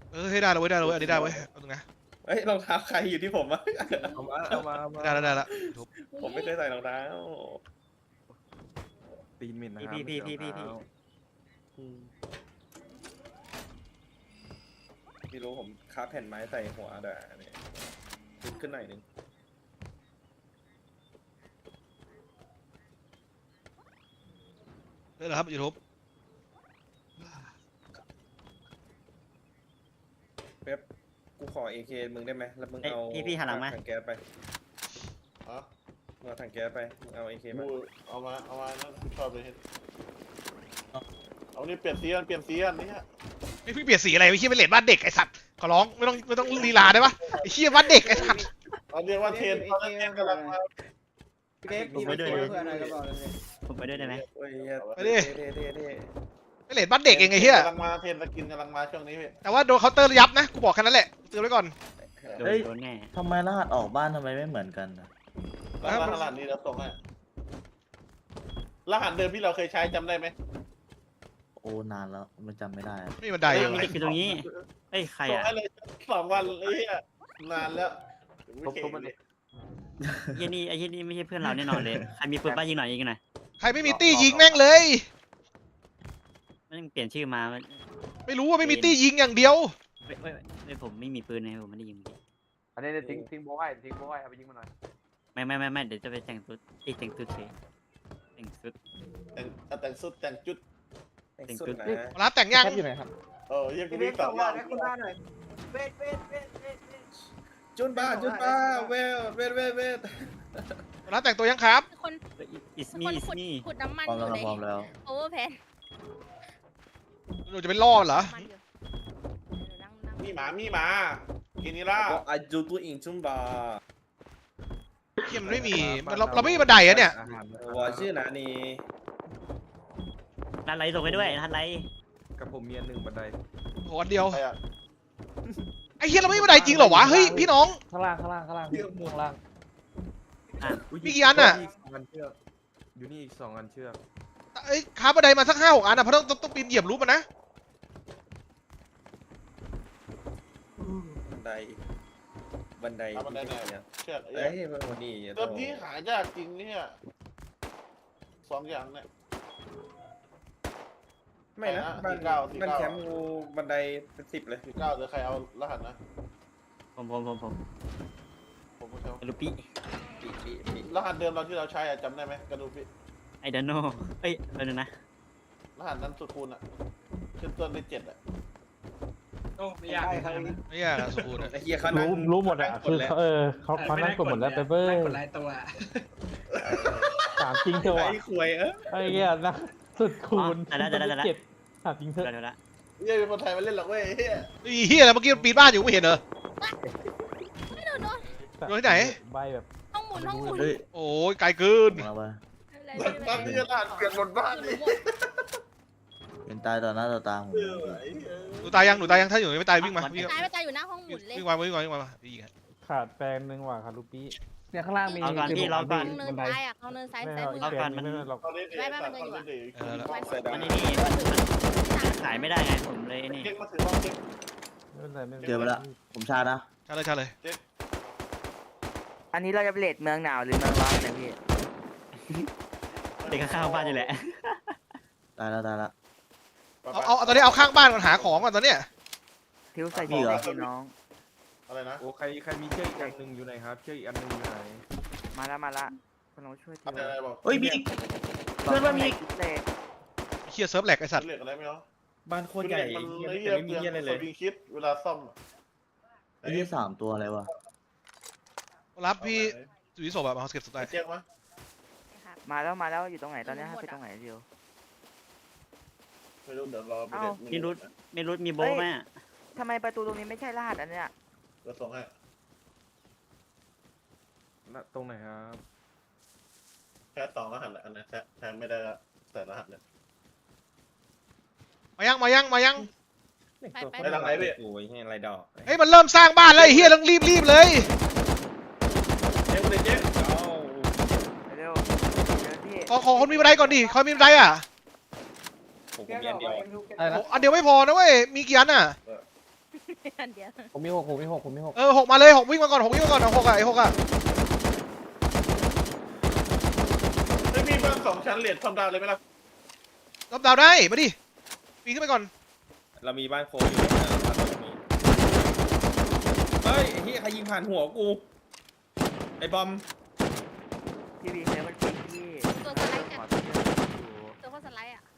ให้ได้เลยเว้ยได้เลยเว้ยอันนี้ได้เว้ยเอาตรงนะเฮ้ยรองเท้าใครอยู่ที่ผมอะได้แล้วได้แล้วทุบผมไม่เคยใส่รองเท้าตีนมินนะครัพี่ไม่รู้ผมคาบแผ่นไม้ใส่หัวแต่เนี่ยขึ้นหน่อยนึงได้แล้วครับยูทูบเป๊ปกูขอ AK มึงได้ไหมแล้วมึงเอาพี่หันหลังมาถังแก๊สไปอ๋อมึงเอาถังแก๊สไปมึงเอา AK มากูเอามานั่นชอบเลยเอานี่เปลี่ยนสีกันนี่ฮะไม่พี่เปลี่ยนสีอะไรไอ้เหี้ยเป็นเลดบ้านเด็กไอ้สัตว์ขอร้องไม่ต้องลีลาได้ปะไอ้เหี้ยบ้านเด็กไอ้สัตว์เอาเรียกว่าเทรนตอนนั้นเทรนกำลังมาผมไปด้วยผมไปด้วยได้ไหมโอ้ยเหี้ยไปดิเท่เป็นเลดบ้านเด็กเองไอ้เหี้ยกำลังมาเทรนสกินกำลังมาช่วงนี้พี่แต่ว่าโดนเคาน์เตอร์ยับนะกูบอกแค่นั้นแหละเตือนไว้ก่อนโดนแน่ทำไมรหัสออกบ้านทำไมไม่เหมือนกันอะรหัสนี้เราส่งให้รหัสเดิมที่เราเคยใช้จำได้ไหมโอ้นานแล้วมันจำไม่ได้อะไม่มีบันไดยังมีไงเด็กอยู่ตรงนี้เอ้ยใครส่งอ่ะให้เลย2 วันไอ้เหี้ยนานแล้วไอ้นี่ไม่ใช่เพื่อนเราแน่นอนเลยใครมีปืนบ้ายิงหน่อยยิงหน่อยใครไม่มีตี้ยิงแม่งเลยมันเปลี่ยนชื่อมาไม่รู้ว่าไม่มีตี้ยิงอย่างเดียวไม่ผมไม่มีปืนนะผมไม่ได้ยิงอันนี้ทิ้งโบ้ให้เอาไปยิงมันหน่อยไม่เดี๋ยวจะไปแต่งชุดแต่งชุดเฉยแต่งชุดแต่งสุดแต่งจุดแต่งชุดนะรับแต่งยังอยู่ไหนครับยังกูมี2 วันจุนบ้าเวทรับแต่งตัวยังครับคนอิสคนมี่ขุดน้ำมันพร้อมอแล้วยู่พร้อมในแล้วโอเวอร์แพนหนูจะเป็นล่อเหรอมันอยู่นั่งมีหมากินนี่ล่าบอกอาจูตัวอิงจุนบ้าเหี้ยมันไม่มีเราไม่มีบันไดอะเนี่ยวอชื่อนะนี่นัดไรส่งไปด้วยนัดไรกับผมมีอันหนึ่งบันไดโหอันเดียวใครอ่ะไอ้เหี้ยเราไม่มีบันไดจริงเหรอวะเฮ้ยพี่น้องข้างล่างพี่ข้างล่างมีกี่อันน่ะอยู่นี่อีก 2 อันเชือกเอ้ยค้าบันไดมาสัก5-6อันอ่ะเพราะต้องปีนเหยียบรูปมันนะบันไดเอาบันไดไหนเนี่ยเชือกเอ้ยวันนี้เติมที่หายากจริงเนี่ย2 อย่างเนี่ยไม่นะ 49 บ้านแคมป์กูบันไดเป็น10เลย 19เดี๋ยวใครเอารหัสนะผมผมก็ใช้ลูปี้ปีรหัสเดิมเราที่เราใช้อะจำได้ไหมกระดูกพี่ไอเดนโนเอ้ยเดี๋ยวนะรหัสนั้นสุดคูณอะขึ้นต้นด้วย7อะไม่ยากอะสมบูรณ์อะไอ้เฮียเขานั่งรู้หมดอ่ะคือเขานั่งกดหมดแล้วแต่เบ้ยกดไลค์ตัวถามจริงเถอะไอ้วะควยไอ้เงี้ยนะสุดคูณแต่ละเจ็บถามจริงเถอะเดี๋ยวละเฮ้ยเป็นคนไทยมาเล่นหรอกเว้ยเฮ้ยไอ้เหี้ยอะไรเมื่อกี้มันปีนบ้านอยู่ไม่เห็นเหรอไม่โดนโดนที่ไหนใบแบบห้องหมุนเฮ้ยโอ้ยไกลเกินมาว่าอะไรตอนนี้รหัสเปลี่ยนบนบ้านเลยเป็นตายต่อหน้าต่อตาผมหนูตายยังถ้าอยู่ไม่ตายวิ่งมาวิ่งตายไปตายอยู่หน้าห้องหมุนเลยวิ่งมาดีกันขาดแฟนนึงว่ะคารุปี้เนี่ยข้างล่างมีเอาก่อนพี่รอก่อนเนินซ้ายอ่ะเขาเนินซ้ายไม่ซ้ายเอามือแฟนไม่ได้หรอกตอนนี้เด็กตอนนี้เด็กมันนี่ขายไม่ได้ไงผมเลยนี่เจ๊กมาถือบ้างเจ๊กไม่เป็นไรไม่เป็นไรเจอไปแล้วผมชานะใช่เลยอันนี้เราจะไปเลดเมืองหนาวหรือเมืองร้อนเนี่ยพี่เด็กข้างบ้านอยู่แหละตายแล้วเอาตอนนี้เอาข้างบ้านก่อนหาของก่อนตอนเนี้ยทิวใส่มีเหรอพี่น้องอะไรนะโอ้ใครมีเชือกอีกอันหนึ่งอยู่ไหนครับเชือกอีกอันหนึ่งอยู่ไหนมาละคุณน้องช่วยอะไรบอกเฮ้ยมีอีกเพื่อนว่ามีอีกเลดเฮียเซิร์ฟแหลกไอสัตว์เหล็กอะไรไม่รู้บ้านโคตรใหญ่มันเหี้ยไม่แต่ไม่มีเยี่เฮียอะไรเลยวิงคิดเวลาซ่อมไอ้ที่3 ตัวอะไรวะรับพี่จุยศพแบบมาเก็บสุดท้ายเจ๊กมั้ยมาแล้วอยู่ตรงไหนตอนนี้ไปตรงไหนเดียวไม่รู้เดี๋ยวรอไปมีรุดมีโบไหมทำไมประตูตรงนี้ไม่ใช่รหัสอันเนี้ยจะส่งให้ตรงไหนครับแค่2 รหัสแหละอันนั้นแทนไม่ได้แต่รหัสเลยมายังไปไม่ทางไหนพี่โอ้ยเฮียอะไรดอกเฮ้ยมันเริ่มสร้างบ้านแล้วไอ้เฮียต้องรีบเลยเจ๊กเลยเจ๊กเร็วเดี๋ยวพี่ขอคนมีบันไดก่อนดิคอยมีบันไดอ่ะผมมีอันเดียวอันเดียวไม่พอนะเว้ยมีกี่อันอ่ะอันเดียวผมมีหกผมมีหกผมมีหกหกมาเลยหกวิ่งมาก่อนหกวิ่งมาก่อนเอาหกอะไอ้หกอะไม่มีบ้าน2 ชั้นเหรียญความดาวเลยไหมล่ะรับดาวได้มาดิปีนขึ้นไปก่อนเรามีบ้านโค้งอยู่นะบ้านตรงนี้เฮ้ยไอ้ที่ใครยิงผ่านหัวกูไอ้บอมพี่วีเซฟมันปีพี่ตัวสไลด์ขอกันพี่อยู่ตัวเขาสไลด์อ่ะ